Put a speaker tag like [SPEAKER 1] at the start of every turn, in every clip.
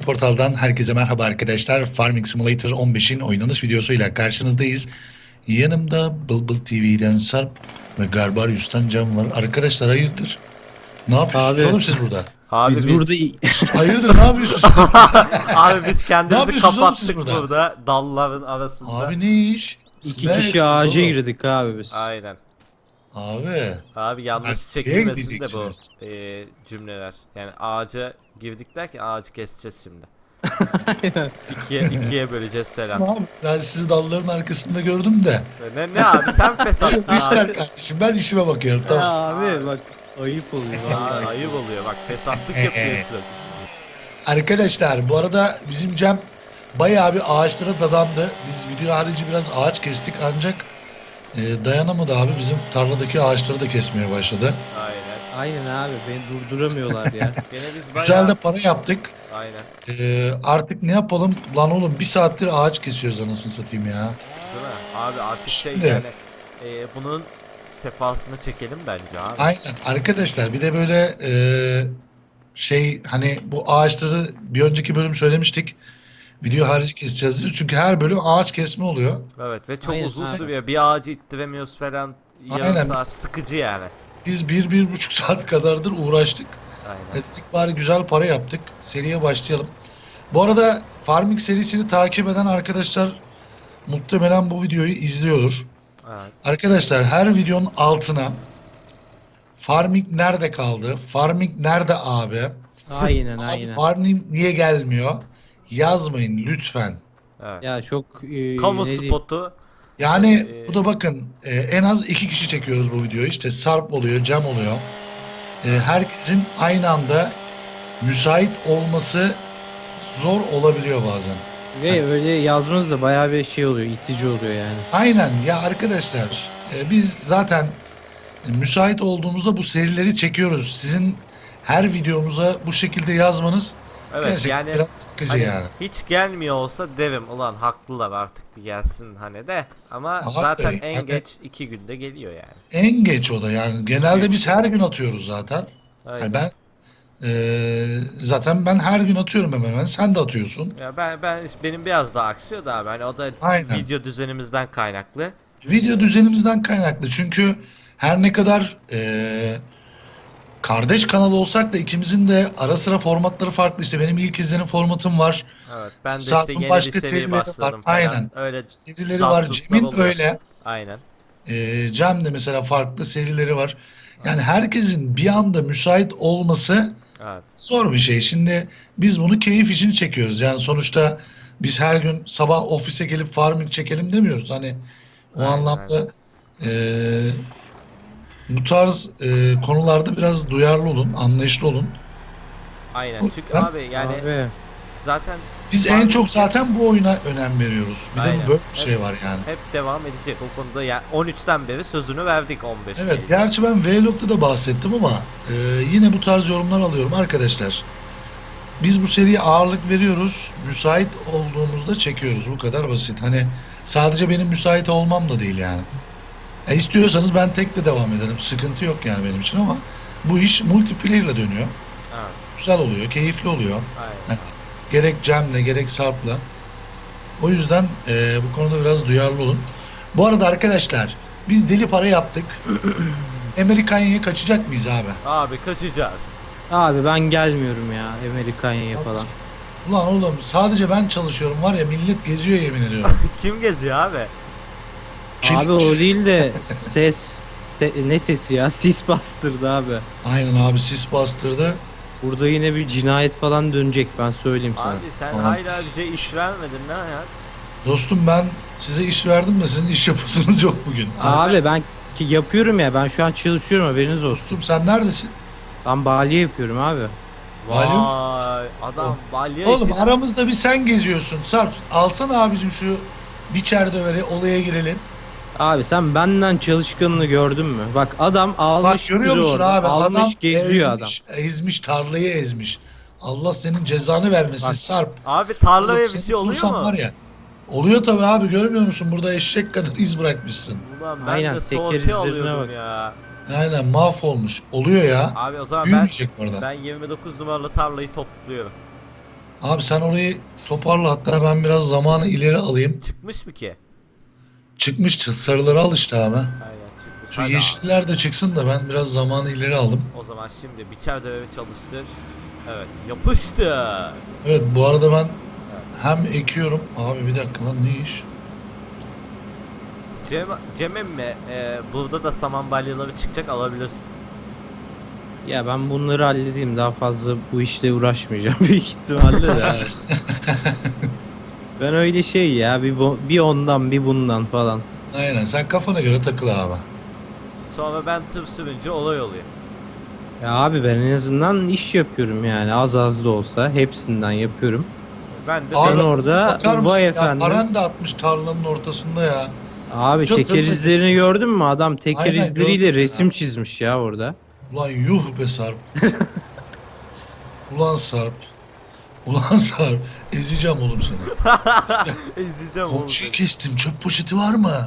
[SPEAKER 1] Portal'dan herkese merhaba arkadaşlar. Farming Simulator 15'in oynanış videosuyla karşınızdayız. Yanımda Bulbul TV'den Sarp ve Garbarius'tan Can var. Arkadaşlar hayırdır? Ne yapıyorsunuz
[SPEAKER 2] Abi
[SPEAKER 1] oğlum siz burada?
[SPEAKER 3] Abi
[SPEAKER 2] biz
[SPEAKER 3] biz,
[SPEAKER 2] burada
[SPEAKER 1] Hayırdır ne yapıyorsunuz siz?
[SPEAKER 3] abi biz
[SPEAKER 1] Ne
[SPEAKER 3] kendimizi
[SPEAKER 1] yapıyorsunuz oğlum siz
[SPEAKER 3] kapattık
[SPEAKER 1] burada?
[SPEAKER 3] burada dalların arasında.
[SPEAKER 1] Abi ne iş?
[SPEAKER 2] iki
[SPEAKER 1] Ne
[SPEAKER 2] kişi
[SPEAKER 1] siz
[SPEAKER 2] ağaca
[SPEAKER 1] oğlum?
[SPEAKER 2] girdik abi biz.
[SPEAKER 3] Aynen.
[SPEAKER 1] Abi.
[SPEAKER 3] Abi yanlış
[SPEAKER 1] Nereye
[SPEAKER 3] çekilmesin de bu
[SPEAKER 1] gideceksiniz?
[SPEAKER 3] cümleler. Yani ağaca girdik derken ağacı keseceğiz şimdi. ikiye böleceğiz selam.
[SPEAKER 1] Abi ben sizi dalların arkasında gördüm de.
[SPEAKER 3] Ne abi sen fesatsın
[SPEAKER 1] İşler
[SPEAKER 3] abi.
[SPEAKER 1] kardeşim ben işime bakıyorum
[SPEAKER 2] Ya
[SPEAKER 1] tamam.
[SPEAKER 2] abi bak ayıp oluyor vallahi.
[SPEAKER 3] Ayıp oluyor bak fesatlık yapıyorsun.
[SPEAKER 1] Arkadaşlar bu arada bizim Cem bayağı bir ağaçlara dadandı. Biz video harici biraz ağaç kestik ancak dayanamadı abi. Bizim tarladaki ağaçları da kesmeye başladı.
[SPEAKER 3] Aynen.
[SPEAKER 2] Aynen abi beni durduramıyorlar ya.
[SPEAKER 3] Gene biz bayağı...
[SPEAKER 1] Güzel de para yaptık.
[SPEAKER 3] Aynen.
[SPEAKER 1] Artık ne yapalım? Lan oğlum bir saattir ağaç kesiyoruz anasını satayım ya.
[SPEAKER 3] Değil mi? Abi artık
[SPEAKER 1] Şimdi-
[SPEAKER 3] yani bunun sefasını çekelim bence abi.
[SPEAKER 1] Aynen arkadaşlar bir de böyle hani bu ağaçları bir önceki bölüm söylemiştik. Video harici keseceğiz diyor. Çünkü her bölüm ağaç kesme oluyor.
[SPEAKER 3] Evet ve çok
[SPEAKER 2] Aynen,
[SPEAKER 3] uzun
[SPEAKER 2] aynen.
[SPEAKER 3] sürüyor. Bir ağacı ittiremiyoruz falan. Yarım
[SPEAKER 1] Aynen.
[SPEAKER 3] saat sıkıcı yani.
[SPEAKER 1] Biz 1-1,5 saat kadardır uğraştık.
[SPEAKER 3] Aynen.
[SPEAKER 1] Dedik bari güzel para yaptık. Seriye başlayalım. Bu arada Farming serisini takip eden arkadaşlar muhtemelen bu videoyu izliyordur.
[SPEAKER 3] Evet.
[SPEAKER 1] Arkadaşlar her videonun altına Farming nerede kaldı? Farming nerede abi?
[SPEAKER 2] Aynen
[SPEAKER 1] Abi
[SPEAKER 2] aynen.
[SPEAKER 1] Farming niye gelmiyor? Yazmayın lütfen.
[SPEAKER 3] Evet.
[SPEAKER 2] Ya çok
[SPEAKER 3] Kamu
[SPEAKER 2] ne diyeyim?
[SPEAKER 3] spotu.
[SPEAKER 1] Yani bu da bakın en az 2 kişi çekiyoruz bu videoyu. İşte Sarp oluyor, Cem oluyor. Herkesin aynı anda müsait olması zor olabiliyor bazen.
[SPEAKER 2] Ve öyle yazmanız da bayağı bir şey oluyor, itici oluyor yani.
[SPEAKER 1] Aynen ya arkadaşlar biz zaten müsait olduğumuzda bu serileri çekiyoruz. Sizin her videomuza bu şekilde yazmanız
[SPEAKER 3] Evet
[SPEAKER 1] gerçekten
[SPEAKER 3] yani
[SPEAKER 1] biraz sıkıcı
[SPEAKER 3] hani
[SPEAKER 1] yani.
[SPEAKER 3] hiç gelmiyor olsa derim ulan haklılar artık bir gelsin hani de. Ama
[SPEAKER 1] Abi,
[SPEAKER 3] zaten en
[SPEAKER 1] yani-
[SPEAKER 3] geç 2 günde geliyor yani.
[SPEAKER 1] En geç o da yani genelde biz her gün atıyoruz zaten.
[SPEAKER 3] Aynen.
[SPEAKER 1] Yani zaten ben her gün atıyorum hemen hemen. Sen de atıyorsun.
[SPEAKER 3] Ya benim biraz daha aksıyor da abi hani o da
[SPEAKER 1] Aynen.
[SPEAKER 3] video düzenimizden kaynaklı.
[SPEAKER 1] Video düzenimizden kaynaklı çünkü her ne kadar kardeş kanal olsak da ikimizin de ara sıra formatları farklı. İşte benim ilk izlenim formatım var.
[SPEAKER 3] Evet ben de
[SPEAKER 1] Sarp'ın
[SPEAKER 3] işte yeni
[SPEAKER 1] başka
[SPEAKER 3] bir seri
[SPEAKER 1] serileri var.
[SPEAKER 3] başladım falan.
[SPEAKER 1] Aynen.
[SPEAKER 3] Öyle
[SPEAKER 1] Serileri
[SPEAKER 3] zart
[SPEAKER 1] var.
[SPEAKER 3] zurtlar
[SPEAKER 1] Cem'in
[SPEAKER 3] oluyor.
[SPEAKER 1] öyle.
[SPEAKER 3] Aynen.
[SPEAKER 1] Cem de mesela farklı serileri var. Yani herkesin bir anda müsait olması
[SPEAKER 3] Evet.
[SPEAKER 1] zor bir şey. Şimdi biz bunu keyif için çekiyoruz. Yani sonuçta biz her gün sabah ofise gelip farming çekelim demiyoruz. Hani o
[SPEAKER 3] Aynen,
[SPEAKER 1] anlamda bu tarz konularda biraz duyarlı olun, anlayışlı olun.
[SPEAKER 3] Aynen.
[SPEAKER 1] O
[SPEAKER 3] Çünkü
[SPEAKER 1] yüzden-
[SPEAKER 3] abi yani
[SPEAKER 2] Abi
[SPEAKER 3] zaten
[SPEAKER 1] Biz en çok zaten bu oyuna önem veriyoruz. Bir de
[SPEAKER 3] Aynen.
[SPEAKER 1] böyle bir şey var yani.
[SPEAKER 3] hep devam edecek o konuda. Yani 13'ten beri sözünü verdik 15.
[SPEAKER 1] Evet, gerçi ben Vlog'da da bahsettim ama yine bu tarz yorumlar alıyorum arkadaşlar. Biz bu seriye ağırlık veriyoruz. Müsait olduğumuzda çekiyoruz. Bu kadar basit. Hani sadece benim müsait olmam da değil yani. İstiyorsanız ben tek de devam ederim. Sıkıntı yok yani benim için ama bu iş multiplayer ile dönüyor.
[SPEAKER 3] Evet.
[SPEAKER 1] Güzel oluyor, keyifli oluyor.
[SPEAKER 3] Aynen.
[SPEAKER 1] Yani gerek Cem'le gerek Sarp'la. O yüzden bu konuda biraz duyarlı olun. Bu arada arkadaşlar biz deli para yaptık. Amerikanya'ya kaçacak mıyız abi?
[SPEAKER 3] Abi kaçacağız.
[SPEAKER 2] abi ben gelmiyorum ya Amerikanya'ya falan.
[SPEAKER 1] Ulan oğlum sadece ben çalışıyorum var ya millet geziyor yemin ediyorum.
[SPEAKER 3] Kim geziyor abi?
[SPEAKER 2] Abi o değil de ne sesi ya? Sis bastırdı abi.
[SPEAKER 1] Aynen abi sis bastırdı.
[SPEAKER 2] Burada yine bir cinayet falan dönecek ben söyleyeyim sana.
[SPEAKER 3] Abi sen
[SPEAKER 1] Tamam.
[SPEAKER 3] hala bize iş vermedin ne ya?
[SPEAKER 1] Dostum ben size iş verdim de sizin iş yapasınız yok bugün.
[SPEAKER 2] Abi ben yapıyorum ya ben şu an çalışıyorum haberiniz olsun.
[SPEAKER 1] Dostum sen neredesin?
[SPEAKER 2] Ben balya yapıyorum abi.
[SPEAKER 1] Malum.
[SPEAKER 3] Vay adam balya
[SPEAKER 1] Oğlum
[SPEAKER 3] işi-
[SPEAKER 1] aramızda bir sen geziyorsun. Sarp alsana abicim şu biçer döveri olaya girelim.
[SPEAKER 2] Abi sen benden çalışkanını gördün mü? Bak adam
[SPEAKER 1] Bak
[SPEAKER 2] almış
[SPEAKER 1] görüyor
[SPEAKER 2] tırı
[SPEAKER 1] musun
[SPEAKER 2] orada,
[SPEAKER 1] abi
[SPEAKER 2] almış
[SPEAKER 1] adam
[SPEAKER 2] geziyor adam.
[SPEAKER 1] ezmiş tarlayı ezmiş. Allah senin cezanı vermesin
[SPEAKER 2] Bak.
[SPEAKER 1] Sarp.
[SPEAKER 3] Abi tarlaya
[SPEAKER 1] Oğlum
[SPEAKER 3] bir
[SPEAKER 1] seni
[SPEAKER 3] şey oluyor
[SPEAKER 1] bulursam
[SPEAKER 3] mu?
[SPEAKER 1] var ya. Oluyor tabii abi görmüyor musun? Burada eşek kadar iz bırakmışsın.
[SPEAKER 3] Ulan ben
[SPEAKER 2] Aynen,
[SPEAKER 3] de
[SPEAKER 2] teker
[SPEAKER 3] sorti
[SPEAKER 2] izlerine
[SPEAKER 3] alıyordum
[SPEAKER 2] bak.
[SPEAKER 3] ya.
[SPEAKER 1] Aynen mahvolmuş. Oluyor ya.
[SPEAKER 3] Abi o zaman
[SPEAKER 1] Büyümeyecek orada.
[SPEAKER 3] ben 29 numaralı tarlayı topluyorum.
[SPEAKER 1] Abi sen orayı toparla, hatta ben biraz zamanı ileri alayım.
[SPEAKER 3] Çıkmış mı ki?
[SPEAKER 1] Çıkmış, sarıları al işte abi.
[SPEAKER 3] Aynen çıkmış.
[SPEAKER 1] Şu
[SPEAKER 3] Hadi abi.
[SPEAKER 1] yeşiller de çıksın da ben biraz zamanı ileri aldım.
[SPEAKER 3] O zaman şimdi biçer dövevi çalıştır. Evet yapıştı.
[SPEAKER 1] Evet, bu arada ben hem ekiyorum. Abi bir dakika lan, ne iş?
[SPEAKER 3] Cem emmi burada da saman balyaları çıkacak, alabilirsin.
[SPEAKER 2] Ya ben bunları halledeyim, daha fazla bu işle uğraşmayacağım büyük ihtimalle de. Ben öyle şey ya, bir ondan bir bundan falan.
[SPEAKER 1] Aynen, sen kafana göre takıl abi.
[SPEAKER 3] Sonra ben tır sürünce olay oluyor.
[SPEAKER 2] Ya abi ben en azından iş yapıyorum yani, az az da olsa hepsinden yapıyorum.
[SPEAKER 3] Ben de
[SPEAKER 2] Sen
[SPEAKER 1] Abi,
[SPEAKER 2] orada
[SPEAKER 1] bakar mısın
[SPEAKER 2] vay
[SPEAKER 1] ya,
[SPEAKER 2] efendim.
[SPEAKER 1] paran da atmış tarlanın ortasında ya.
[SPEAKER 2] Abi
[SPEAKER 1] Çok
[SPEAKER 2] teker
[SPEAKER 1] tırnak
[SPEAKER 2] izlerini
[SPEAKER 1] geçiyor.
[SPEAKER 2] gördün mü? Adam teker
[SPEAKER 1] Aynen,
[SPEAKER 2] izleriyle
[SPEAKER 1] gördüm ya.
[SPEAKER 2] resim çizmiş ya orada.
[SPEAKER 1] Ulan yuh be Sarp. Ulan Sarp. Ulan Sarp. Ezeceğim oğlum seni.
[SPEAKER 3] izleyeceğim oğlum.
[SPEAKER 1] Komşuyu kestim. Çöp poşeti var mı?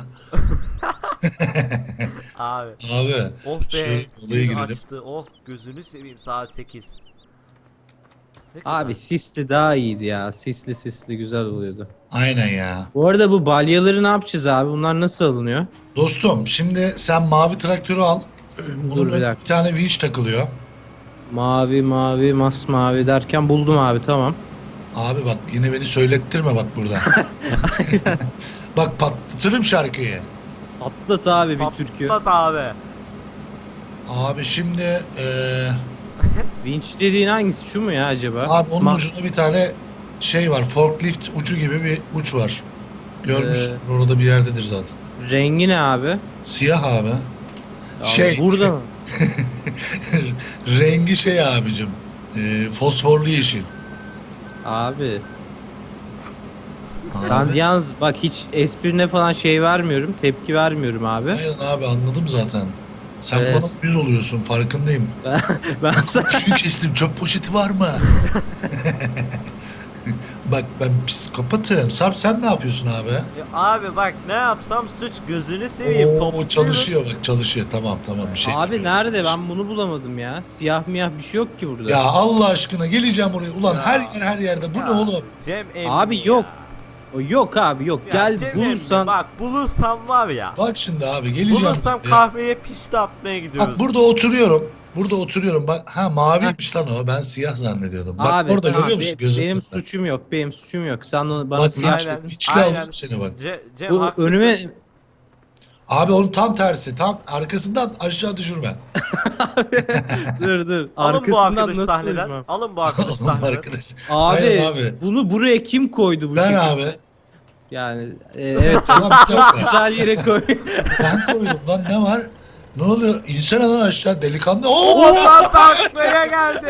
[SPEAKER 3] Abi.
[SPEAKER 1] Abi.
[SPEAKER 3] Oh be.
[SPEAKER 1] Şöyle olaya
[SPEAKER 3] gün
[SPEAKER 1] girelim.
[SPEAKER 3] açtı. Oh gözünü seveyim saat 8. Ne
[SPEAKER 2] Abi
[SPEAKER 3] kadar?
[SPEAKER 2] sisli daha iyiydi ya. Sisli güzel oluyordu.
[SPEAKER 1] Aynen ya.
[SPEAKER 2] Bu arada bu balyaları ne yapacağız abi? Bunlar nasıl alınıyor?
[SPEAKER 1] Dostum, şimdi sen mavi traktörü al. Bunun
[SPEAKER 2] Dur bir
[SPEAKER 1] önüne
[SPEAKER 2] dakika.
[SPEAKER 1] bir tane vinç takılıyor.
[SPEAKER 2] Mavi, masmavi derken buldum abi, tamam.
[SPEAKER 1] Abi bak, yine beni söylettirme bak burada. Bak, patlatırım şarkıyı.
[SPEAKER 2] Atlat abi bir türkü.
[SPEAKER 3] Patlat abi.
[SPEAKER 1] Abi şimdi
[SPEAKER 2] Vinç dediğin hangisi, şu mu ya acaba?
[SPEAKER 1] abi onun
[SPEAKER 2] Ma-
[SPEAKER 1] ucunda bir tane şey var. Forklift ucu gibi bir uç var. Görmüşsün,
[SPEAKER 2] Ee,
[SPEAKER 1] orada bir yerdedir zaten.
[SPEAKER 2] Rengi ne abi?
[SPEAKER 1] Siyah abi.
[SPEAKER 2] Abi
[SPEAKER 1] Şey,
[SPEAKER 2] burada mı?
[SPEAKER 1] rengi şey abicim. Fosforlu yeşil.
[SPEAKER 2] Abi ben
[SPEAKER 1] Abi.
[SPEAKER 2] yalnız bak, hiç esprine falan şey vermiyorum, tepki vermiyorum abi.
[SPEAKER 1] Aynen abi, anladım zaten. Sen
[SPEAKER 2] Evet.
[SPEAKER 1] bana yüz oluyorsun, farkındayım.
[SPEAKER 2] Ben sana...
[SPEAKER 1] Şunu kestim, çöp poşeti var mı? Bak, ben psikopatım. Sarp, sen ne yapıyorsun abi?
[SPEAKER 3] Ya abi bak ne yapsam suç, gözünü seveyim.
[SPEAKER 1] Oo,
[SPEAKER 3] Topluyorum.
[SPEAKER 1] çalışıyor bak, çalışıyor. Tamam bir şey.
[SPEAKER 2] Abi nerede, ben bunu bulamadım ya. Siyah miyah bir şey yok ki burada.
[SPEAKER 1] Ya Allah aşkına, geleceğim oraya. Ulan
[SPEAKER 3] Ya.
[SPEAKER 1] her yerde. Bu
[SPEAKER 3] Ya,
[SPEAKER 1] ne oğlum?
[SPEAKER 3] Cem emmi
[SPEAKER 2] Abi
[SPEAKER 3] ya.
[SPEAKER 2] yok. O yok abi, yok.
[SPEAKER 3] Ya
[SPEAKER 2] Gel
[SPEAKER 3] Cem emmi,
[SPEAKER 2] bulursan.
[SPEAKER 3] bak bulursam var ya.
[SPEAKER 1] Bak şimdi abi, geleceğim.
[SPEAKER 3] Bulursam
[SPEAKER 1] oraya.
[SPEAKER 3] kahveye pişti atmaya gidiyoruz.
[SPEAKER 1] Bak, burada oturuyorum. Burada oturuyorum. Bak, ha, maviymiş lan o. Ben siyah zannediyordum. Bak
[SPEAKER 2] Abi
[SPEAKER 1] orada,
[SPEAKER 2] tamam,
[SPEAKER 1] görüyor musun gözüm?
[SPEAKER 2] benim suçum yok. Benim suçum yok. Sen onu bana
[SPEAKER 1] Bak,
[SPEAKER 2] siyah
[SPEAKER 3] Aynen.
[SPEAKER 2] dedin.
[SPEAKER 1] içli
[SPEAKER 3] Aynen.
[SPEAKER 1] alırım seni bak.
[SPEAKER 3] Cem
[SPEAKER 2] Bu
[SPEAKER 3] haklısın.
[SPEAKER 2] önüme
[SPEAKER 1] Abi onun tam tersi. Tam arkasından aşağı düşürme.
[SPEAKER 2] dur.
[SPEAKER 3] Alın bu
[SPEAKER 2] Arkasından
[SPEAKER 3] arkadaş
[SPEAKER 2] nasıl
[SPEAKER 3] sahneden.
[SPEAKER 2] düşmem?
[SPEAKER 3] Alın bu arkadaş
[SPEAKER 1] Oğlum
[SPEAKER 3] sahneden.
[SPEAKER 1] arkadaş.
[SPEAKER 2] Abi,
[SPEAKER 1] Aynen abi.
[SPEAKER 2] bunu buraya kim koydu bu
[SPEAKER 1] Ben
[SPEAKER 2] şekilde?
[SPEAKER 1] abi.
[SPEAKER 2] Yani evet,
[SPEAKER 1] Ulan bir dakika.
[SPEAKER 2] güzel yere koy.
[SPEAKER 1] Ben koydum lan, ne var? Ne oluyor? İnsene lan aşağı delikanlı. Oo!
[SPEAKER 3] Oğlan taklaya geldi.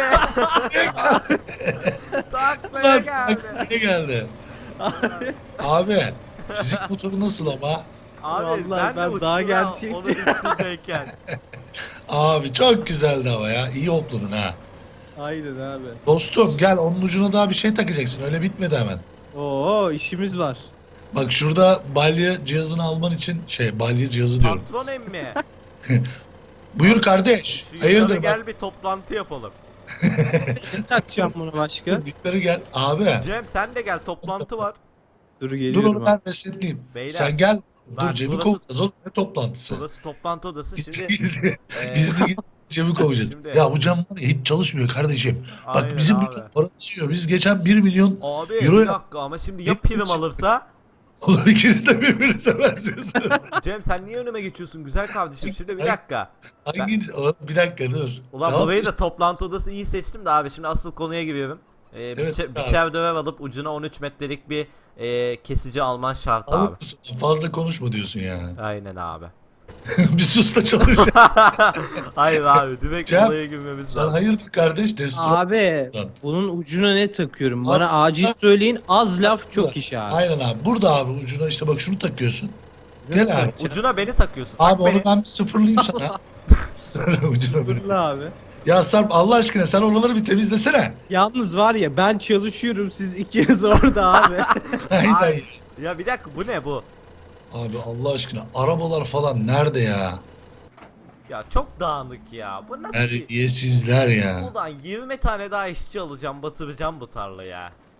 [SPEAKER 3] Taklaya
[SPEAKER 1] Lan
[SPEAKER 3] geldi.
[SPEAKER 1] ne geldi? Abi, fizik motoru nasıl ama?
[SPEAKER 3] Abi
[SPEAKER 2] Vallahi
[SPEAKER 3] ben de
[SPEAKER 2] ben daha
[SPEAKER 3] uçtum ha,
[SPEAKER 2] gerçekçi.
[SPEAKER 3] onun üstündeyken.
[SPEAKER 1] Abi çok güzeldi ama ya. İyi hopladın ha.
[SPEAKER 2] Aynen abi.
[SPEAKER 1] Dostum gel, onun ucuna daha bir şey takacaksın. Öyle bitmedi hemen.
[SPEAKER 2] Oo, işimiz var.
[SPEAKER 1] Bak şurada balya cihazını alman için balya cihazı diyorum.
[SPEAKER 3] Patron emmi.
[SPEAKER 1] Buyur kardeş.
[SPEAKER 3] Şu yukarı
[SPEAKER 1] Hayırdır bak.
[SPEAKER 3] gel bir toplantı yapalım.
[SPEAKER 2] Ne takacağım bunu başka?
[SPEAKER 1] Yukarı gel. Abi.
[SPEAKER 3] Cem sen de gel, toplantı var.
[SPEAKER 2] Dur
[SPEAKER 1] Dur,
[SPEAKER 2] geliyorum
[SPEAKER 1] onu
[SPEAKER 2] abi.
[SPEAKER 1] ben resetleyeyim.
[SPEAKER 3] Beyler,
[SPEAKER 1] Sen gel.
[SPEAKER 3] bak
[SPEAKER 1] Dur, Cem'i
[SPEAKER 3] burası-
[SPEAKER 1] kovacağız oğlum. Ne toplantısı?
[SPEAKER 3] Burası toplantı odası.
[SPEAKER 1] Gizli
[SPEAKER 3] Şimdi
[SPEAKER 1] gizli.
[SPEAKER 3] Ee,
[SPEAKER 1] Gizli Cem'i kovacağız.
[SPEAKER 3] Şimdi-
[SPEAKER 1] Ya bu Cem var ya, hiç çalışmıyor kardeşim. Bak
[SPEAKER 3] aynen
[SPEAKER 1] bizim
[SPEAKER 3] abi.
[SPEAKER 1] bütün paramız yiyor. Biz geçen 1 milyon
[SPEAKER 3] Abi
[SPEAKER 1] Euro
[SPEAKER 3] bir
[SPEAKER 1] yap-
[SPEAKER 3] dakika ama şimdi ya prim alırsa?
[SPEAKER 1] olur, ikiniz de birbirinize benziyorsunuz.
[SPEAKER 3] Cem sen niye önüme geçiyorsun güzel kardeşim? Şimdi bir dakika.
[SPEAKER 1] Hangi... Bir dakika dur.
[SPEAKER 3] Ulan
[SPEAKER 1] Ne
[SPEAKER 3] burayı da
[SPEAKER 1] yapıyorsun?
[SPEAKER 3] toplantı odası iyi seçtim de abi, şimdi asıl konuya giriyorum.
[SPEAKER 1] Evet, abi.
[SPEAKER 3] Biçer döver alıp ucuna 13 metrelik bir kesici alman şart
[SPEAKER 1] Alır
[SPEAKER 3] abi.
[SPEAKER 1] mısın? Fazla konuşma diyorsun yani.
[SPEAKER 3] Aynen abi.
[SPEAKER 1] Bir sus da çalış.
[SPEAKER 3] Hayır abi direkt
[SPEAKER 1] Cem,
[SPEAKER 3] olaya girmemiz
[SPEAKER 1] Sen
[SPEAKER 3] lazım.
[SPEAKER 1] hayırdır kardeş? Destur.
[SPEAKER 2] Abi
[SPEAKER 1] Lan.
[SPEAKER 2] bunun ucuna ne takıyorum?
[SPEAKER 1] Abi,
[SPEAKER 2] Bana acil söyleyin. Az laf çok
[SPEAKER 1] Burada.
[SPEAKER 2] iş abi.
[SPEAKER 1] Aynen abi. Burada abi ucuna işte bak, şunu takıyorsun.
[SPEAKER 2] Nasıl
[SPEAKER 1] Gel abi.
[SPEAKER 2] takacağım?
[SPEAKER 3] Ucuna beni takıyorsun.
[SPEAKER 1] Abi
[SPEAKER 3] Tak
[SPEAKER 1] onu
[SPEAKER 3] beni.
[SPEAKER 1] ben bir sıfırlayayım sana. Ucuna bir-
[SPEAKER 2] Fırla abi.
[SPEAKER 1] Ya Sarp, Allah aşkına sen oraları bir temizlesene.
[SPEAKER 2] Yalnız var ya, ben çalışıyorum, siz ikiniz orada abi.
[SPEAKER 1] Aynen.
[SPEAKER 3] Ay. Ya bir dakika, bu ne bu?
[SPEAKER 1] Abi Allah aşkına, arabalar falan nerede ya?
[SPEAKER 3] Ya çok dağınık ya. Bu nasıl bir...
[SPEAKER 1] Terbiyesizler ya.
[SPEAKER 3] Ulan 20 tane daha işçi alacağım, batıracağım bu tarlayı ya.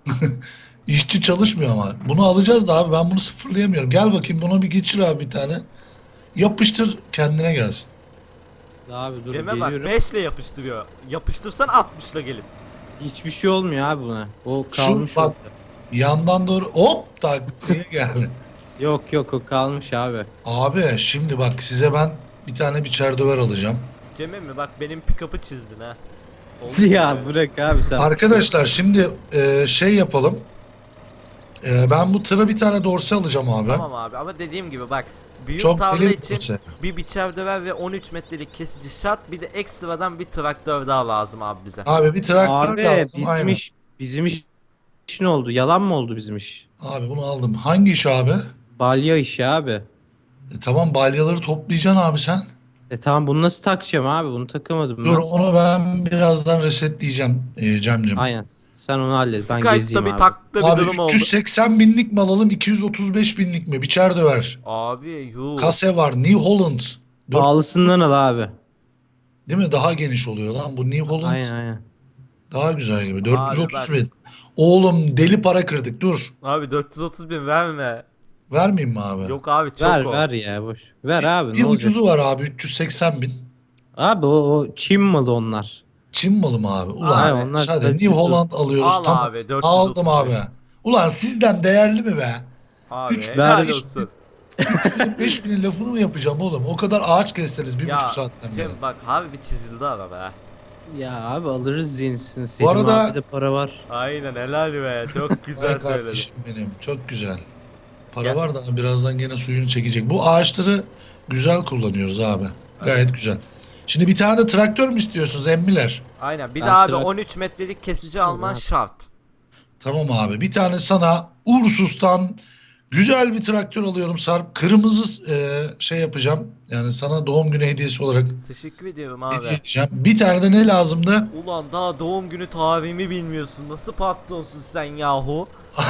[SPEAKER 1] İşçi çalışmıyor ama. Bunu alacağız da abi ben bunu sıfırlayamıyorum. Gel bakayım buna bir geçir abi bir tane. Yapıştır kendine gelsin.
[SPEAKER 2] Abi dur
[SPEAKER 3] Cem'e bak
[SPEAKER 2] geliyorum.
[SPEAKER 3] 5 ile yapıştırıyor. Yapıştırsan 60 ile gelip.
[SPEAKER 2] Hiçbir şey olmuyor abi buna. O
[SPEAKER 1] Şu
[SPEAKER 2] kalmış
[SPEAKER 1] bak
[SPEAKER 2] orada.
[SPEAKER 1] yandan doğru hop tak diye geldi.
[SPEAKER 2] Yok o kalmış abi.
[SPEAKER 1] Abi şimdi bak size ben bir tane biçer döver alacağım.
[SPEAKER 3] Cem'e mi bak benim pick-up'ı çizdin ha. Oldu
[SPEAKER 2] Ya
[SPEAKER 3] mu?
[SPEAKER 2] bırak abi sen.
[SPEAKER 1] Arkadaşlar şimdi şey yapalım. Ben bu tıra bir tane dorse alacağım abi.
[SPEAKER 3] Tamam abi ama dediğim gibi bak. Büyük
[SPEAKER 1] Çok
[SPEAKER 3] tarla
[SPEAKER 1] deli bir
[SPEAKER 3] için
[SPEAKER 1] dorse.
[SPEAKER 3] bir biçer döver ve 13 metrelik kesici şart. Bir de ekstradan bir traktör daha lazım abi bize.
[SPEAKER 1] Abi bir traktör
[SPEAKER 2] Abi
[SPEAKER 1] lazım.
[SPEAKER 2] bizim
[SPEAKER 1] Aynen.
[SPEAKER 2] iş ne oldu? Yalan mı oldu bizim iş?
[SPEAKER 1] Abi bunu aldım. Hangi iş abi?
[SPEAKER 2] Balya işi abi.
[SPEAKER 1] Tamam balyaları toplayacaksın abi sen.
[SPEAKER 2] Tamam bunu nasıl takacağım abi? Bunu takamadım
[SPEAKER 1] Dur
[SPEAKER 2] ben.
[SPEAKER 1] onu ben birazdan resetleyeceğim Cem'cim.
[SPEAKER 2] Aynen. Sen onu hallet. Ben
[SPEAKER 3] Skype'da
[SPEAKER 2] gezeyim
[SPEAKER 3] bir
[SPEAKER 2] abi.
[SPEAKER 3] takta bir
[SPEAKER 1] Abi
[SPEAKER 3] durum oldu.
[SPEAKER 1] 380 binlik mi alalım 235 binlik mi? Biçer döver.
[SPEAKER 3] Abi yuh.
[SPEAKER 1] Kase var New Holland.
[SPEAKER 2] Pahalısından al abi.
[SPEAKER 1] Değil mi? Daha geniş oluyor lan. Bu New Holland
[SPEAKER 2] Aynen.
[SPEAKER 1] daha güzel gibi.
[SPEAKER 3] Abi
[SPEAKER 1] 430
[SPEAKER 3] bak.
[SPEAKER 1] bin. Oğlum deli para kırdık dur.
[SPEAKER 3] Abi 430 bin verme.
[SPEAKER 1] Vermeyeyim mi abi?
[SPEAKER 3] Yok abi çok
[SPEAKER 2] Ver
[SPEAKER 3] o.
[SPEAKER 2] ver ya boş. Ver abi
[SPEAKER 1] Bir
[SPEAKER 2] ne olacak?
[SPEAKER 1] ucuzu var abi 380 bin.
[SPEAKER 2] Abi o Çin malı onlar.
[SPEAKER 1] Çin malı mı abi? Ulan
[SPEAKER 2] Hayır, onlar
[SPEAKER 1] hadi
[SPEAKER 2] kalitesi
[SPEAKER 1] New Holland alıyoruz.
[SPEAKER 3] Al
[SPEAKER 1] tamam.
[SPEAKER 3] abi, 430
[SPEAKER 1] Aldım
[SPEAKER 3] bin.
[SPEAKER 1] abi. Ulan sizden değerli mi be?
[SPEAKER 3] Abi
[SPEAKER 1] Üç
[SPEAKER 3] helal
[SPEAKER 2] ver
[SPEAKER 3] olsun.
[SPEAKER 1] 5000'in lafını mı yapacağım oğlum? O kadar ağaç kestiniz 1,5
[SPEAKER 3] Ya
[SPEAKER 1] saatten beri.
[SPEAKER 3] Cem bak abi bir çizildi araba ha.
[SPEAKER 2] Ya abi alırız yenisini. Selim
[SPEAKER 1] arada-
[SPEAKER 2] abi de para var.
[SPEAKER 3] Aynen helal be çok güzel
[SPEAKER 1] Ay
[SPEAKER 3] söyledin.
[SPEAKER 1] kardeşim benim çok güzel. Para
[SPEAKER 3] Gel.
[SPEAKER 1] var da birazdan gene suyunu çekecek. Bu ağaçları güzel kullanıyoruz abi. Gayet güzel. Şimdi bir tane de traktör mü istiyorsunuz emmiler?
[SPEAKER 3] Aynen bir
[SPEAKER 2] Ben
[SPEAKER 3] de abi
[SPEAKER 2] trak-
[SPEAKER 3] 13 metrelik kesici
[SPEAKER 2] İstiyorum
[SPEAKER 3] alman
[SPEAKER 2] abi.
[SPEAKER 3] şart.
[SPEAKER 1] Tamam abi. Bir tane sana Ursus'tan güzel bir traktör alıyorum Sarp. Kırmızı şey yapacağım. Yani sana doğum günü hediyesi olarak
[SPEAKER 3] Teşekkür ediyorum
[SPEAKER 1] hediye
[SPEAKER 3] abi.
[SPEAKER 1] edeceğim. Bir tane de ne lazımdı?
[SPEAKER 3] Ulan daha doğum günü tarihimi bilmiyorsun. Nasıl patronsun sen yahu?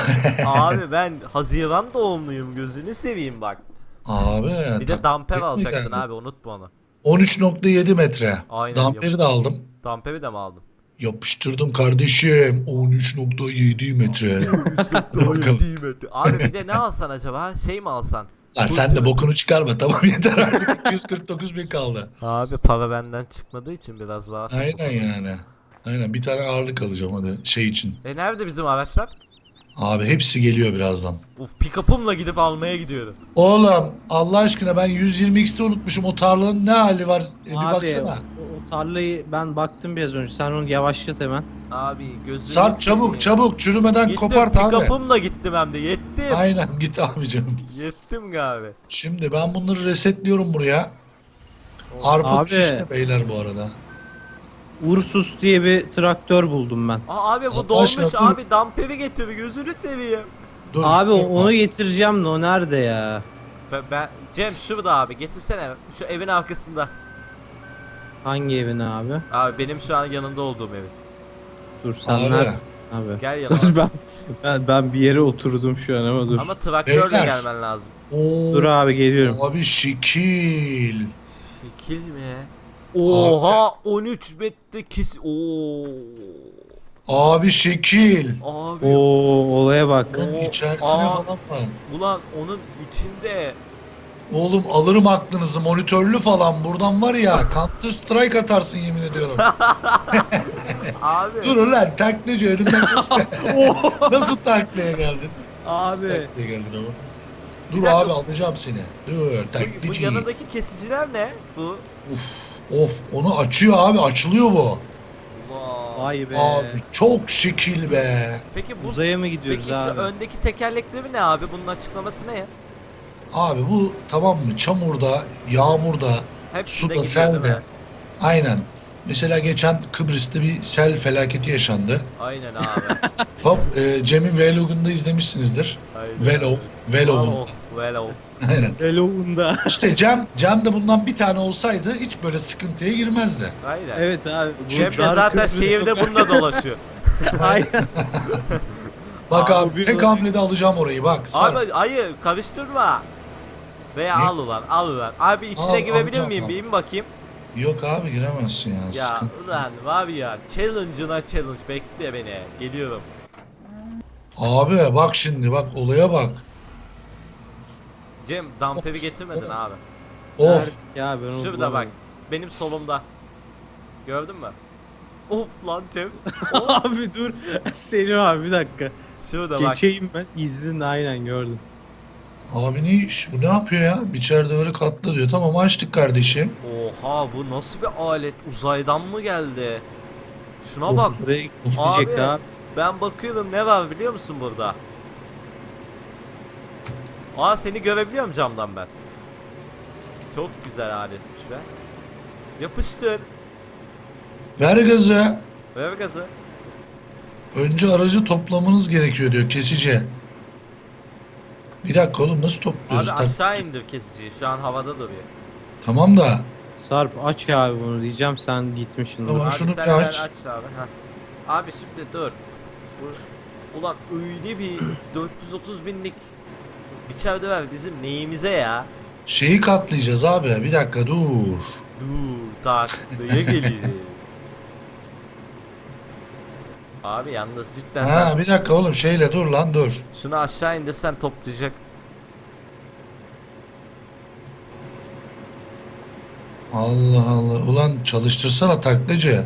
[SPEAKER 3] Abi ben Haziran doğumluyum gözünü seveyim bak.
[SPEAKER 1] Abi.
[SPEAKER 3] Bir de damper
[SPEAKER 1] taklit mi
[SPEAKER 3] alacaktın
[SPEAKER 1] geldi?
[SPEAKER 3] abi unutma onu.
[SPEAKER 1] 13,7 metre.
[SPEAKER 3] Aynen,
[SPEAKER 1] Damperi de aldım.
[SPEAKER 3] Damperi de mi aldın?
[SPEAKER 1] Yapıştırdım kardeşim. 13,7 metre. Dur bakalım.
[SPEAKER 3] Abi bir de ne alsan acaba? Şey mi alsan?
[SPEAKER 1] Lan sen de bokunu çıkarma tamam yeter artık 249 bin kaldı.
[SPEAKER 3] Abi para benden çıkmadığı için biraz rahat.
[SPEAKER 1] Aynen yani. Aynen bir tane ağırlık alacağım hadi şey için.
[SPEAKER 3] Nerede bizim araçlar?
[SPEAKER 1] Abi hepsi geliyor birazdan.
[SPEAKER 3] Uf pick-up'ımla gidip almaya gidiyorum.
[SPEAKER 1] Oğlum Allah aşkına ben 120x'te unutmuşum o tarlanın ne hali var bir
[SPEAKER 2] Abi
[SPEAKER 1] baksana.
[SPEAKER 2] o tarlayı ben baktım biraz önce. Sen onu yavaşlat hemen.
[SPEAKER 3] Abi gözünü
[SPEAKER 1] Sarp çabuk çabuk çürümeden
[SPEAKER 3] Gittim
[SPEAKER 1] kopart abi.
[SPEAKER 3] pick-up'ımla gittim hem de yettim.
[SPEAKER 1] Aynen git abicim.
[SPEAKER 3] Yettim abi.
[SPEAKER 1] Şimdi ben bunları resetliyorum buraya. Arpa
[SPEAKER 2] Abi.
[SPEAKER 1] şişte beyler bu arada.
[SPEAKER 2] Ursus diye bir traktör buldum ben.
[SPEAKER 3] Abi bu
[SPEAKER 1] Allah
[SPEAKER 3] dolmuş
[SPEAKER 1] aşkına, dur.
[SPEAKER 3] abi damperi getir gözünü seveyim.
[SPEAKER 1] Dur,
[SPEAKER 2] Abi
[SPEAKER 1] dur,
[SPEAKER 2] onu getireceğim de o nerede ya?
[SPEAKER 3] Ben Cem şurada abi getirsene şu evin arkasında.
[SPEAKER 2] Hangi evin abi?
[SPEAKER 3] Abi benim şu an yanında olduğum evin.
[SPEAKER 2] Dur sen
[SPEAKER 1] Abi.
[SPEAKER 2] neredesin abi?
[SPEAKER 3] Gel yanıma.
[SPEAKER 2] Dur ben bir yere oturdum şu an ama dur.
[SPEAKER 3] Ama traktörle
[SPEAKER 1] Beyler.
[SPEAKER 3] gelmen lazım.
[SPEAKER 1] Oo,
[SPEAKER 2] Dur abi geliyorum.
[SPEAKER 1] Abi şekil.
[SPEAKER 3] Şekil mi? Oha 13 metre kes. Oo.
[SPEAKER 1] Abi şekil.
[SPEAKER 3] Abi.
[SPEAKER 2] Oo olaya bak.
[SPEAKER 1] Oğlum
[SPEAKER 3] Oo,
[SPEAKER 1] içerisine
[SPEAKER 3] aa.
[SPEAKER 1] falan var.
[SPEAKER 3] Ulan onun içinde.
[SPEAKER 1] Oğlum alırım aklınızı monitörlü falan buradan var ya Counter Strike atarsın yemin ediyorum.
[SPEAKER 3] Abi.
[SPEAKER 1] Dur ulan taklacı önümden nasıl, nasıl taklaya geldin? Nasıl
[SPEAKER 3] Abi.
[SPEAKER 1] taklaya geldin ama?
[SPEAKER 3] Bir
[SPEAKER 1] Dur
[SPEAKER 3] dakika.
[SPEAKER 1] abi alacağım seni. Dur
[SPEAKER 3] Bu
[SPEAKER 1] taklacı.
[SPEAKER 3] yanındaki kesiciler ne? Bu.
[SPEAKER 1] Of onu açıyor abi açılıyor bu.
[SPEAKER 3] Vay.
[SPEAKER 2] Vay be.
[SPEAKER 1] Abi çok şekil be.
[SPEAKER 3] Peki bu
[SPEAKER 2] Uzaya mı gidiyoruz
[SPEAKER 3] Peki
[SPEAKER 2] abi?
[SPEAKER 3] şu öndeki tekerlekleri ne abi? Bunun açıklaması ne?
[SPEAKER 1] Abi bu tamam mı çamurda, yağmurda,
[SPEAKER 3] Hepsinde
[SPEAKER 1] suda,
[SPEAKER 3] gidiyor değil
[SPEAKER 1] selde.
[SPEAKER 3] mi?
[SPEAKER 1] Aynen. Mesela geçen Kıbrıs'ta bir sel felaketi yaşandı.
[SPEAKER 3] Aynen abi.
[SPEAKER 1] Hop Cem'in vlogunda izlemişsinizdir.
[SPEAKER 3] Aynen.
[SPEAKER 1] Vlog'un.
[SPEAKER 3] Velo.
[SPEAKER 1] Aynen.
[SPEAKER 2] Eloğunda.
[SPEAKER 1] İşte Cem de bundan bir tane olsaydı hiç böyle sıkıntıya girmezdi.
[SPEAKER 3] Aynen.
[SPEAKER 2] Evet abi. bu
[SPEAKER 3] Cem de
[SPEAKER 2] Car
[SPEAKER 3] zaten
[SPEAKER 2] Kıbrıs
[SPEAKER 3] şehirde
[SPEAKER 2] sokak-
[SPEAKER 3] bununla dolaşıyor.
[SPEAKER 2] Aynen.
[SPEAKER 1] Bak
[SPEAKER 3] Abi,
[SPEAKER 1] abi
[SPEAKER 2] bir
[SPEAKER 1] tek
[SPEAKER 2] böyle-
[SPEAKER 1] hamlede alacağım orayı bak. Sarp.
[SPEAKER 3] Abi hayır karıştırma. Veya
[SPEAKER 1] Ne?
[SPEAKER 3] al ulan al ulan. Abi içine
[SPEAKER 1] Al,
[SPEAKER 3] girebilir
[SPEAKER 1] alacağım,
[SPEAKER 3] miyim?
[SPEAKER 1] al.
[SPEAKER 3] Bir in bakayım.
[SPEAKER 1] Yok abi giremezsin ya.
[SPEAKER 3] Ya
[SPEAKER 1] Sıkıntı.
[SPEAKER 3] ulan var ya challenge'ına challenge bekle beni. Geliyorum.
[SPEAKER 1] Abi bak şimdi bak olaya bak.
[SPEAKER 3] Cem damperi getirmedin abi.
[SPEAKER 1] Of.
[SPEAKER 2] Ya ben onu
[SPEAKER 3] Şurada bak.
[SPEAKER 2] bulamadım.
[SPEAKER 3] Benim solumda. Gördün mü? Of lan Cem.
[SPEAKER 2] Abi dur. Selim abi bir dakika.
[SPEAKER 3] Şurada bak.
[SPEAKER 2] Geçeyim ben. İzninle aynen gördüm.
[SPEAKER 1] Abi ne iş? Bu ne yapıyor ya? İçeride böyle katla diyor. Tamam açtık kardeşim.
[SPEAKER 3] Oha bu nasıl bir alet? Uzaydan mı geldi? Şuna bak.
[SPEAKER 2] Buraya gidecek
[SPEAKER 3] Abi
[SPEAKER 2] abi.
[SPEAKER 3] ben bakıyorum ne var biliyor musun burada? Aa seni görebiliyorum camdan ben. Çok güzel aletmiş be. Yapıştır.
[SPEAKER 1] Ver gazı.
[SPEAKER 3] Ver gazı.
[SPEAKER 1] Önce aracı toplamanız gerekiyor diyor kesici. Bir dakika oğlum nasıl topluyoruz?
[SPEAKER 3] Abi aşağı indir kesiciyi. Şu an havada duruyor.
[SPEAKER 1] Tamam da
[SPEAKER 2] Sarp aç abi bunu diyeceğim sen gitmişsin.
[SPEAKER 1] Tamam.
[SPEAKER 3] Abi
[SPEAKER 1] şunu
[SPEAKER 3] sen
[SPEAKER 1] bir
[SPEAKER 3] ver
[SPEAKER 1] aç.
[SPEAKER 3] aç abi. Heh. Abi şimdi dur. Ulan öyle bir 430 binlik biçerde ver bizim neyimize ya?
[SPEAKER 1] şeyi katlayacağız abi. Bir dakika dur.
[SPEAKER 3] Dur taklaya geleceğiz. Abi yalnız cidden
[SPEAKER 1] Ha
[SPEAKER 3] sen
[SPEAKER 1] bir dakika oğlum şeyle dur lan dur.
[SPEAKER 3] şunu aşağı indirsen toplayacak.
[SPEAKER 1] Allah Allah. Ulan çalıştırsana taklacı.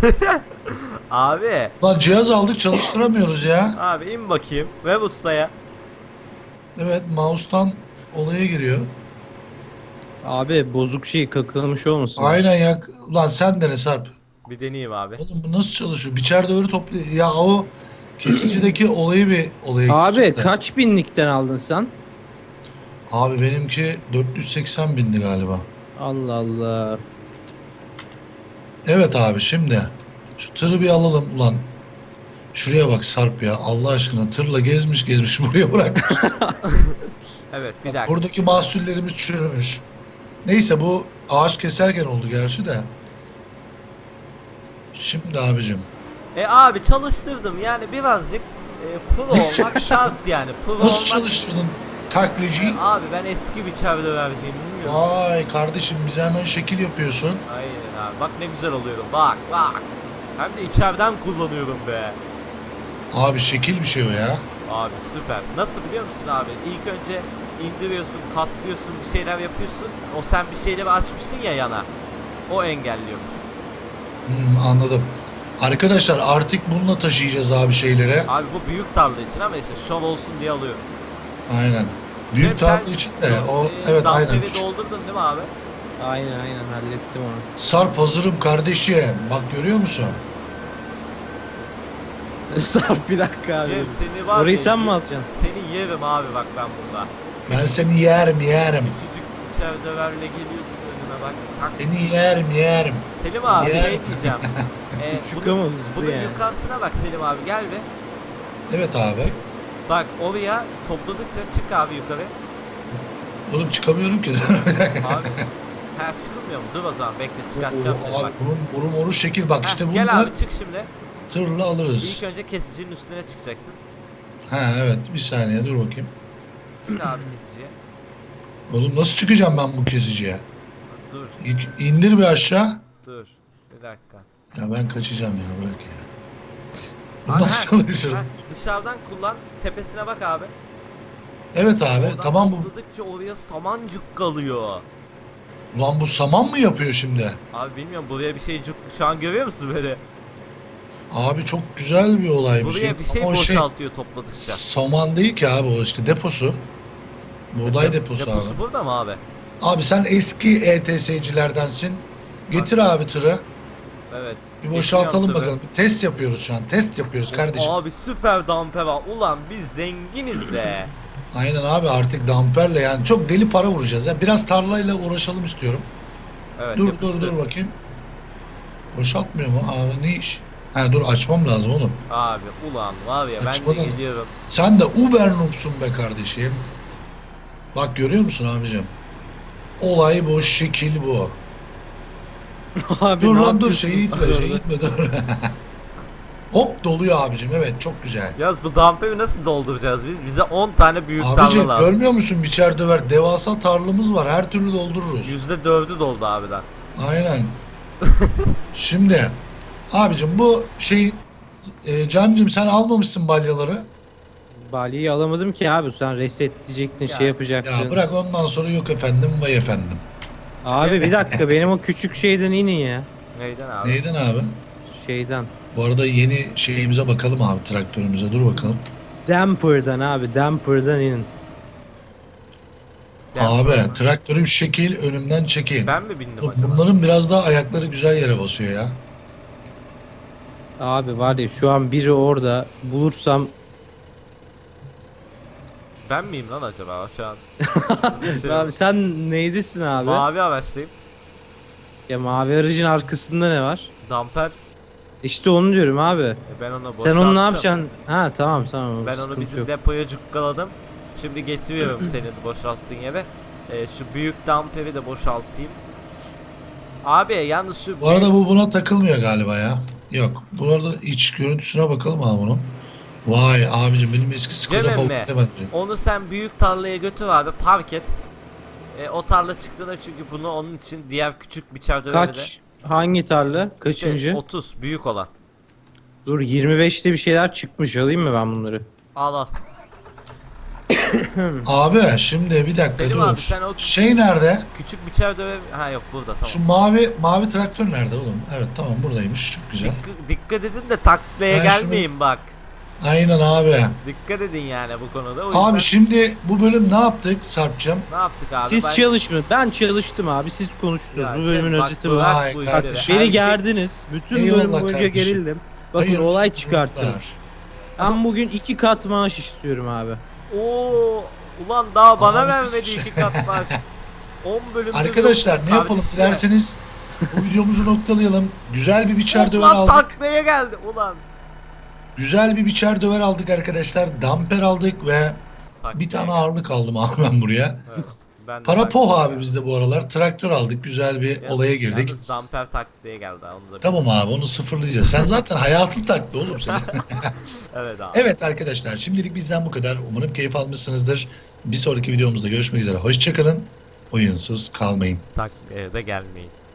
[SPEAKER 3] Abi,
[SPEAKER 1] Ulan cihaz aldık çalıştıramıyoruz ya.
[SPEAKER 3] abi in bakayım. Ver ustaya.
[SPEAKER 1] Evet mouse'tan olaya giriyor.
[SPEAKER 2] Abi bozuk şey kakalamış olmasın?
[SPEAKER 1] Aynen ya. Ulan sen dene Sarp.
[SPEAKER 3] Bir deneyeyim abi.
[SPEAKER 1] Oğlum bu nasıl çalışıyor? Biçerde öyle toplu. Ya o kesicideki olayı bir olaya
[SPEAKER 2] Abi
[SPEAKER 1] gideceğiz de.
[SPEAKER 2] kaç binlikten aldın sen?
[SPEAKER 1] Abi benimki 480 bindi galiba.
[SPEAKER 2] Allah Allah.
[SPEAKER 1] Evet abi şimdi. Şu tırı bir alalım ulan. Şuraya bak Sarp ya. Allah aşkına tırla gezmiş buraya bırak.
[SPEAKER 3] Evet bir
[SPEAKER 1] Bak,
[SPEAKER 3] dakika.
[SPEAKER 1] buradaki mahsullerimiz çürümüş. Neyse bu ağaç keserken oldu gerçi de. Şimdi abicim.
[SPEAKER 3] Abi çalıştırdım yani birazcık pro
[SPEAKER 1] Nasıl
[SPEAKER 3] olmak şart yani. Pro
[SPEAKER 1] Nasıl
[SPEAKER 3] olmak...
[SPEAKER 1] çalıştırdın taklacı?
[SPEAKER 3] Abi ben eski bir çevre vereceğim bilmiyorum.
[SPEAKER 1] Vay kardeşim bize hemen şekil yapıyorsun.
[SPEAKER 3] Aynen abi bak ne güzel oluyorum bak bak. Hem de içeriden kullanıyorum be.
[SPEAKER 1] Abi şekil bir şey o ya.
[SPEAKER 3] Abi süper. Nasıl biliyor musun abi? İlk önce indiriyorsun, katlıyorsun, bir şeyler yapıyorsun. O sen bir şeyleri açmıştın ya yana. O engelliyormuş.
[SPEAKER 1] Anladım. Arkadaşlar artık bununla taşıyacağız abi şeylere.
[SPEAKER 3] Abi bu büyük tarla için ama işte şov olsun diye alıyorum.
[SPEAKER 1] Aynen. Büyük
[SPEAKER 3] Cem, sen,
[SPEAKER 1] tarla için de o evet aynen.
[SPEAKER 3] damperi doldurdun değil mi abi?
[SPEAKER 2] Aynen hallettim onu.
[SPEAKER 1] Sarp hazırım kardeşim. Bak görüyor musun?
[SPEAKER 2] Sarp bir dakika abi.
[SPEAKER 3] Cem seni var
[SPEAKER 2] Orayı
[SPEAKER 3] ya,
[SPEAKER 2] sen mi alacaksın?
[SPEAKER 3] Seni yerim abi bak ben burada.
[SPEAKER 1] Ben seni yerim.
[SPEAKER 3] Küçücük içeri döverle geliyorsun önüme bak. Tak.
[SPEAKER 1] Seni yerim.
[SPEAKER 3] Selim abi
[SPEAKER 1] Yer.
[SPEAKER 3] şey diyeceğim.
[SPEAKER 2] Küçük ama hızlı
[SPEAKER 3] bunun
[SPEAKER 2] yani.
[SPEAKER 3] yukarısına bak Selim abi gel be.
[SPEAKER 1] Evet abi.
[SPEAKER 3] Bak oraya topladıkça çık abi yukarı.
[SPEAKER 1] Oğlum çıkamıyorum ki.
[SPEAKER 3] Abi. Ha çıkılmıyor mu? Dur o zaman bekle çıkartacağım seni
[SPEAKER 1] abi
[SPEAKER 3] bak.
[SPEAKER 1] bunun moru şekil bak
[SPEAKER 3] Heh,
[SPEAKER 1] işte bunu
[SPEAKER 3] gel
[SPEAKER 1] da
[SPEAKER 3] abi çık şimdi.
[SPEAKER 1] tırla alırız.
[SPEAKER 3] İlk önce kesicinin üstüne çıkacaksın.
[SPEAKER 1] Ha evet bir saniye dur bakayım.
[SPEAKER 3] Çık abi kesiciye.
[SPEAKER 1] Oğlum nasıl çıkacağım ben bu kesiciye?
[SPEAKER 3] Dur
[SPEAKER 1] İlk indir bir aşağı.
[SPEAKER 3] dur. Bir dakika.
[SPEAKER 1] Ya ben kaçacağım ya bırak ya. Bu
[SPEAKER 3] Abi,
[SPEAKER 1] nasıl
[SPEAKER 3] ha,
[SPEAKER 1] çalışır?
[SPEAKER 3] ha, dışarıdan kullan. Tepesine bak abi.
[SPEAKER 1] Evet abi
[SPEAKER 3] Oradan
[SPEAKER 1] tamam bu.
[SPEAKER 3] topladıkça oraya samancık kalıyor.
[SPEAKER 1] Ulan bu saman mı yapıyor şimdi?
[SPEAKER 3] Abi bilmiyorum buraya bir şey şu an görüyor musun böyle?
[SPEAKER 1] Abi çok güzel bir olay bir
[SPEAKER 3] Buraya
[SPEAKER 1] şey.
[SPEAKER 3] bir şey
[SPEAKER 1] Ama o
[SPEAKER 3] boşaltıyor topladıkça.
[SPEAKER 1] saman değil ki abi o işte deposu. Buğday deposu abi.
[SPEAKER 3] Deposu burada mı abi?
[SPEAKER 1] Abi sen eski ETS'cilerdensin. Getir abi tırı.
[SPEAKER 3] Evet.
[SPEAKER 1] Bir boşaltalım
[SPEAKER 3] Getiriyorum
[SPEAKER 1] bakalım. Bir test yapıyoruz şu an. Test yapıyoruz
[SPEAKER 3] tabii.
[SPEAKER 1] kardeşim.
[SPEAKER 3] Abi süper damper var. Ulan biz zenginiz be.
[SPEAKER 1] Aynen abi artık damperle yani çok deli para vuracağız ya. Biraz tarlayla uğraşalım istiyorum.
[SPEAKER 3] Evet
[SPEAKER 1] dur
[SPEAKER 3] yapıştır.
[SPEAKER 1] dur bakayım. Boşaltmıyor mu? Abi ne iş? Ha dur açmam lazım oğlum.
[SPEAKER 3] Abi ulan var ya ben
[SPEAKER 1] Açmadan-
[SPEAKER 3] de geliyorum.
[SPEAKER 1] Sen de Uber noob'sun be kardeşim. Bak görüyor musun abicim? Olay bu, şekil bu.
[SPEAKER 2] Abi
[SPEAKER 1] Dur
[SPEAKER 2] ne
[SPEAKER 1] lan dur
[SPEAKER 2] yapıyorsun
[SPEAKER 1] şeyi
[SPEAKER 2] siz
[SPEAKER 1] itme,
[SPEAKER 2] orada?
[SPEAKER 1] şeyi itme dur. Hop doluyor abicim evet çok güzel.
[SPEAKER 3] Yalnız bu damperi nasıl dolduracağız biz? Bize 10 tane büyük
[SPEAKER 1] Abicim
[SPEAKER 3] tarla lazım.
[SPEAKER 1] görmüyor musun biçer döver devasa tarlamız var her türlü doldururuz.
[SPEAKER 3] %4'ü doldu abiden.
[SPEAKER 1] Aynen. Şimdi abicim bu şey Camcım sen almamışsın balyaları.
[SPEAKER 2] Balyeyi alamadım ki abi. Sen reset diyecektin,
[SPEAKER 3] Ya-
[SPEAKER 2] şey yapacaktın.
[SPEAKER 1] Ya bırak ondan sonra yok efendim vay efendim.
[SPEAKER 2] Abi bir dakika, benim o küçük şeyden inin ya.
[SPEAKER 3] Neyden abi?
[SPEAKER 1] Neyden abi?
[SPEAKER 2] Şeyden.
[SPEAKER 1] Bu arada yeni şeyimize bakalım abi, traktörümüze dur bakalım.
[SPEAKER 2] Damper'dan abi, damper'dan inin.
[SPEAKER 1] Abi traktörüm şekil, önümden çekeyim.
[SPEAKER 3] Ben mi bindim
[SPEAKER 1] Bak,
[SPEAKER 3] acaba?
[SPEAKER 1] bunların biraz daha ayakları güzel yere basıyor ya.
[SPEAKER 2] Abi var ya, şu an biri orada bulursam
[SPEAKER 3] Ben miyim lan acaba şu an?
[SPEAKER 2] abi sen neydesin abi?
[SPEAKER 3] Mavi araçlıyım.
[SPEAKER 2] Ya mavi aracın arkasında ne var?
[SPEAKER 3] Damper.
[SPEAKER 2] İşte onu diyorum abi.
[SPEAKER 3] Ben onu boşalttım.
[SPEAKER 2] Sen onu ne yapacaksın? Ha tamam tamam.
[SPEAKER 3] Ben onu
[SPEAKER 2] sıkıntı
[SPEAKER 3] bizim
[SPEAKER 2] yok.
[SPEAKER 3] depoya cukkaladım. Şimdi getiriyorum senin boşalttığın yere. Şu büyük damperi de boşaltayım. Abi yalnız şu
[SPEAKER 1] Bu arada bu buna takılmıyor galiba ya. Yok. Bu arada iç görüntüsüne bakalım abi bunun. Vay abicim, benim eski Skoda
[SPEAKER 3] Cem
[SPEAKER 1] Focus'ta
[SPEAKER 3] emmi,
[SPEAKER 1] bence.
[SPEAKER 3] onu sen büyük tarlaya götür abi, park et. O tarla çıktığında çünkü bunu onun için diğer küçük biçer döveri de.
[SPEAKER 2] Kaç? Hangi tarla?
[SPEAKER 3] İşte
[SPEAKER 2] Kaçıncı?
[SPEAKER 3] 30 büyük olan.
[SPEAKER 2] Dur, 25'te bir şeyler çıkmış, alayım mı ben bunları?
[SPEAKER 3] Al al.
[SPEAKER 1] Abi şimdi bir dakika
[SPEAKER 3] Selim
[SPEAKER 1] dur.
[SPEAKER 3] abi, sen o-
[SPEAKER 1] Şey nerede?
[SPEAKER 3] Küçük biçer döver. Ha yok burada, tamam.
[SPEAKER 1] Şu mavi traktör nerede oğlum? Evet tamam, buradaymış. Çok güzel.
[SPEAKER 3] Dikkat edin de taklaya
[SPEAKER 1] Ben
[SPEAKER 3] gelmeyin bak.
[SPEAKER 1] Aynen abi.
[SPEAKER 3] Dikkat edin yani bu konuda. O yüzden
[SPEAKER 1] Abi şimdi bu bölüm ne yaptık Sarp'cığım?
[SPEAKER 3] ne yaptık abi?
[SPEAKER 2] Siz
[SPEAKER 3] Ben-
[SPEAKER 2] çalışmı. Ben çalıştım abi. Siz konuştunuz.
[SPEAKER 3] Ya
[SPEAKER 2] Bu bölümün
[SPEAKER 3] Cem, bak,
[SPEAKER 2] özeti bu.
[SPEAKER 3] bırak
[SPEAKER 1] Vay
[SPEAKER 3] bu
[SPEAKER 1] kardeşim.
[SPEAKER 3] işleri.
[SPEAKER 2] Beni
[SPEAKER 3] Erkek-
[SPEAKER 2] gerdiniz. Bütün
[SPEAKER 1] Eyvallah
[SPEAKER 2] bölüm boyunca
[SPEAKER 1] kardeşim.
[SPEAKER 2] gerildim. Bakın
[SPEAKER 1] Hayırlı
[SPEAKER 2] olay çıkarttım.
[SPEAKER 1] yolculuklar.
[SPEAKER 2] Ben bugün 2 kat maaş istiyorum abi.
[SPEAKER 3] Oo, ulan daha bana
[SPEAKER 1] Abi-
[SPEAKER 3] vermedi 2 kat maaş. 10 bölümdür
[SPEAKER 1] Arkadaşlar
[SPEAKER 3] yoksun
[SPEAKER 1] ne yapalım
[SPEAKER 3] kardeşim.
[SPEAKER 1] dilerseniz bu videomuzu noktalayalım. Güzel bir biçer döver
[SPEAKER 3] Ulan
[SPEAKER 1] aldık.
[SPEAKER 3] taklaya geldi ulan.
[SPEAKER 1] Güzel bir biçer döver aldık arkadaşlar. Damper aldık ve bir tane ağırlık aldım abi ben buraya.
[SPEAKER 3] Evet, ben de
[SPEAKER 1] Para
[SPEAKER 3] tak-
[SPEAKER 1] poh abi bizde bu aralar. Traktör aldık. Güzel bir
[SPEAKER 3] Yalnız-
[SPEAKER 1] olaya girdik.
[SPEAKER 3] Yalnız damper taklaya geldi ha, onu da
[SPEAKER 1] Tamam abi, onu sıfırlayacağız. Sen zaten hayatın taktı oğlum senin.
[SPEAKER 3] Evet abi.
[SPEAKER 1] Evet arkadaşlar, şimdilik bizden bu kadar. Umarım keyif almışsınızdır. Bir sonraki videomuzda görüşmek üzere. Hoşçakalın. Oyunsuz kalmayın.
[SPEAKER 3] Taklaya da gelmeyin.